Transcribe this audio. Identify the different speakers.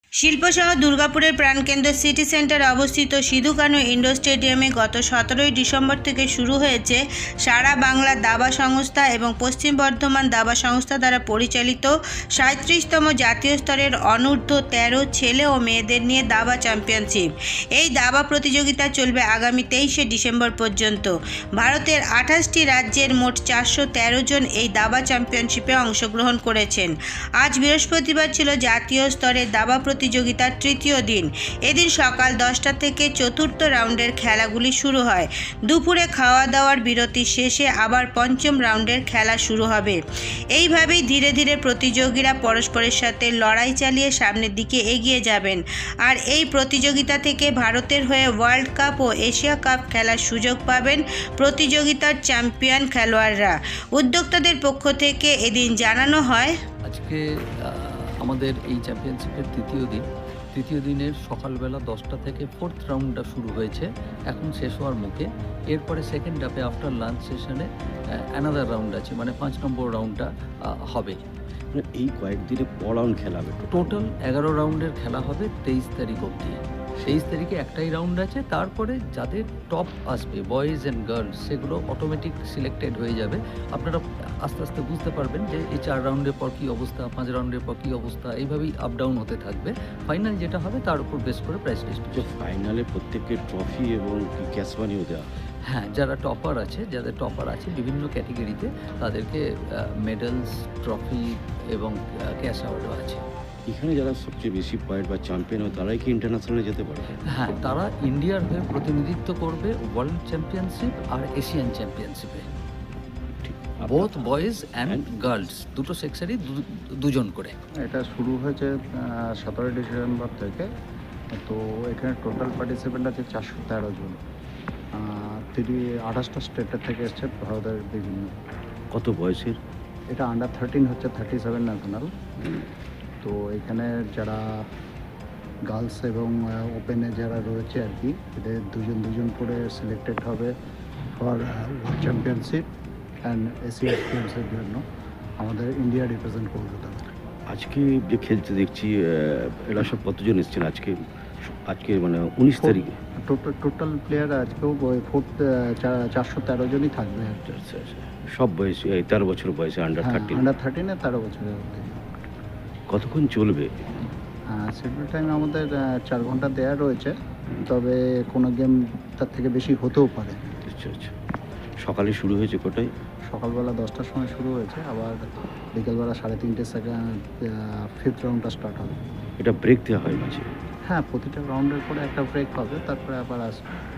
Speaker 1: শিল্পশহর দুর্গাপুরের প্রাণকেন্দ্র সিটি সেন্টারে অবস্থিত সিধু কানু ইন্ডোর স্টেডিয়ামে গত 17ই ডিসেম্বর থেকে শুরু হয়েছে সারা বাংলা দাবা সংস্থা এবং পশ্চিম বর্ধমান দাবা সংস্থা দ্বারা পরিচালিত 37তম জাতীয় স্তরের অনূর্ধ্ব 13 ছেলে ও মেয়েদের নিয়ে দাবা চ্যাম্পিয়নশিপ। এই দাবা প্রতিযোগিতা চলবে আগামী 23শে ডিসেম্বর পর্যন্ত। ভারতের 28টি রাজ্যের মোট 413 জন এই দাবা চ্যাম্পিয়নশিপে অংশগ্রহণ করেছেন। আজ বৃহস্পতিবার ছিল জাতীয় স্তরের দাবা প্রতিযোগিতার তৃতীয় দিন। এদিন সকাল 10টা থেকে চতুর্থ রাউন্ডের খেলাগুলি শুরু হয়। দুপুরে খাওয়া দাওয়ার বিরতি শেষে আবার পঞ্চম রাউন্ডের খেলা শুরু হবে। এইভাবেই ধীরে ধীরে প্রতিযোগীরা পরস্পরের সাথে লড়াই চালিয়ে সামনের দিকে এগিয়ে যাবেন। আর এই প্রতিযোগিতা থেকে ভারতের হয়ে ওয়ার্ল্ড কাপ ও এশিয়া কাপ খেলার সুযোগ পাবেন প্রতিযোগিতার চ্যাম্পিয়ন খেলোয়াড়রা। উদ্যোক্তাদের পক্ষ থেকে এদিন জানানো হয়,
Speaker 2: আজকে আমাদের এই চ্যাম্পিয়নশিপের তৃতীয় দিনের সকালবেলা 10টা থেকে ফোর্থ রাউন্ডটা শুরু হয়েছে, এখন শেষ হওয়ার মুখে। এরপরে সেকেন্ড হাফে আফটার লাঞ্চ সেশনে অ্যানাদার রাউন্ড আছে, মানে 5 নম্বর রাউন্ডটা হবে।
Speaker 3: এই কয়েকদিনে ক রাউন্ড খেলা হবে?
Speaker 2: টোটাল 11 রাউন্ডের খেলা হবে 23 তারিখ অবধি। 23 তারিখে একটাই রাউন্ড আছে, তারপরে যাদের টপ আসবে বয়েজ অ্যান্ড গার্লস সেগুলো অটোমেটিক সিলেক্টেড হয়ে যাবে। আপনারা আস্তে আস্তে বুঝতে পারবেন যে এই 4 রাউন্ডের পর কী অবস্থা, 5 রাউন্ডের পর কী অবস্থা, এইভাবেই আপ ডাউন হতে থাকবে। ফাইনাল যেটা হবে তার উপর বেস করে প্রাইস ডিস্ট্রিবিউশন।
Speaker 3: ফাইনালে প্রত্যেককে ট্রফি এবং ক্যাশ মানিও দেওয়া?
Speaker 2: হ্যাঁ, যাদের টপার আছে বিভিন্ন ক্যাটেগরিতে তাদেরকে মেডেলস, ট্রফি এবং ক্যাশ অ্যাওয়ার্ডও আছে।
Speaker 3: এখানে যারা সবচেয়ে বেশি পয়েন্ট বা চ্যাম্পিয়ন হয় তারাই কি ইন্টারন্যাশনালে যেতে পারবে?
Speaker 2: হ্যাঁ, তারা ইন্ডিয়ার হয়ে প্রতিনিধিত্ব করবে ওয়ার্ল্ড চ্যাম্পিয়নশিপ আর এশিয়ান চ্যাম্পিয়নশিপে, বোথ বয়েজ অ্যান্ড গার্লস দুটো সেক্সেরই দুজন করে।
Speaker 4: এটা শুরু হয়েছে 17 ডিসেম্বর থেকে। তো এখানে টোটাল পার্টিসিপেন্ট আছে 413 জন। 28টা স্টেটের থেকে এসছে ভারতের বিভিন্ন।
Speaker 3: কত বয়সের?
Speaker 4: এটা আন্ডার 13 হচ্ছে 37 ন্যাশনাল। তো এখানে যারা গার্লস এবং ওপেনে যারা রয়েছে আর কি, এদের দুজন করে সিলেক্টেড হবে for world championship and Asia গেমসের জন্য আমাদের ইন্ডিয়া রিপ্রেজেন্ট করবে তারা।
Speaker 3: আজকে যে খেলতে দেখছি এরা সব কতজন এসেছেন আজকে মানে 19 তারিখে?
Speaker 4: টোটাল প্লেয়ার আজকেও 413 জনই থাকবে।
Speaker 3: আচ্ছা, সব বয়সে 13 বছর বয়সে আন্ডার 13?
Speaker 4: আন্ডার 13 13 বছরের মধ্যে।
Speaker 3: কতক্ষণ চলবে?
Speaker 4: শিডিউল টাইম আমাদের 4 ঘন্টা দেওয়া রয়েছে, তবে কোনো গেম তার থেকে বেশি হতেও পারে।
Speaker 3: আচ্ছা, সকালে শুরু হয়েছে কটায়?
Speaker 4: সকালবেলা 10টার সময় শুরু হয়েছে, আবার বিকেলবেলা 3:30 সেকেন্ড ফিফথ রাউন্ডটা স্টার্ট হবে।
Speaker 3: এটা ব্রেক দেওয়া হয় মাঝে?
Speaker 4: হ্যাঁ, প্রতিটা রাউন্ডের পরে একটা ব্রেক হবে, তারপরে আবার আসবে।